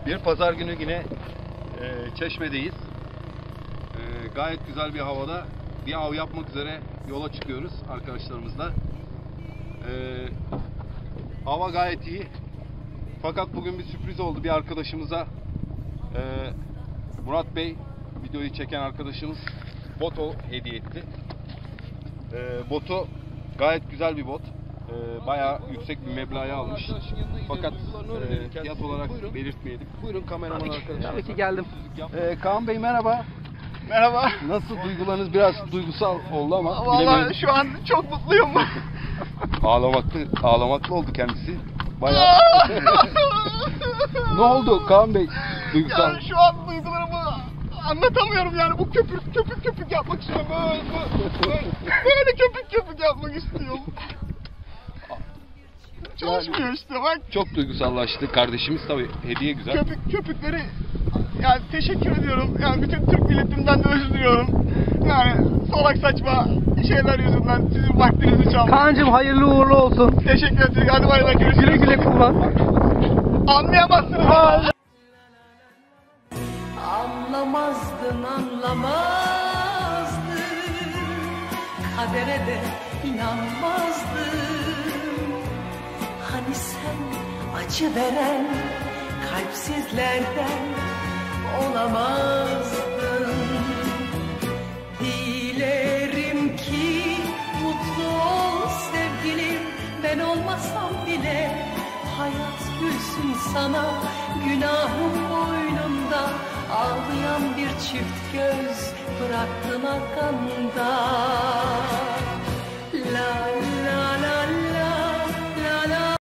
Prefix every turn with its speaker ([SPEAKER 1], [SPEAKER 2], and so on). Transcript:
[SPEAKER 1] Bir pazar günü yine Çeşme'deyiz. Gayet güzel bir havada bir av yapmak üzere yola çıkıyoruz arkadaşlarımızla. Hava gayet iyi. Fakat bugün bir sürpriz oldu. Bir arkadaşımıza Murat Bey, videoyu çeken arkadaşımız, boto hediye etti. Botu gayet güzel bir bot. Bayağı yüksek bir meblağa almış. Fakat fiyat olarak buyurun, belirtmeyelim. Buyurun kameraman arkadaşlar.
[SPEAKER 2] Tabii ki geldim.
[SPEAKER 1] Kaan Bey merhaba.
[SPEAKER 3] Merhaba.
[SPEAKER 1] Nasıl, duygularınız biraz duygusal oldu ama
[SPEAKER 3] Vallahi şu an çok mutluyum.
[SPEAKER 1] Ağlamaklı oldu kendisi. Bayağı. Ne oldu Kaan Bey? Duygusal.
[SPEAKER 3] Yani şu an duygularımı anlatamıyorum yani. Bu köpük yapmak istiyorum. Böyle köpük yapmak istiyorum. Çalışmıyor işte bak.
[SPEAKER 1] Çok duygusallaştı kardeşimiz, tabii hediye güzel.
[SPEAKER 3] Köpükleri yani teşekkür ediyorum. Yani bütün Türk milletimden de özür diliyorum. Yani salak saçma şeyler yüzünden sizin vaktinizi çaldım.
[SPEAKER 2] Kaan'cığım hayırlı uğurlu olsun.
[SPEAKER 3] Teşekkür ederim. Hadi bay bay, görüşürüz.
[SPEAKER 2] Güle güle kullan.
[SPEAKER 3] Anlayamazsınız ama.
[SPEAKER 4] Anlamazdın, anlamazdın. Kadere de inanmazdın. Hani sen acı veren kalpsizlerden olamazdın. Dilerim ki mutlu ol sevgilim. Ben olmasam bile hayat gülsün sana. Günahım boynumda, ağlayan bir çift göz bıraktın arkanda.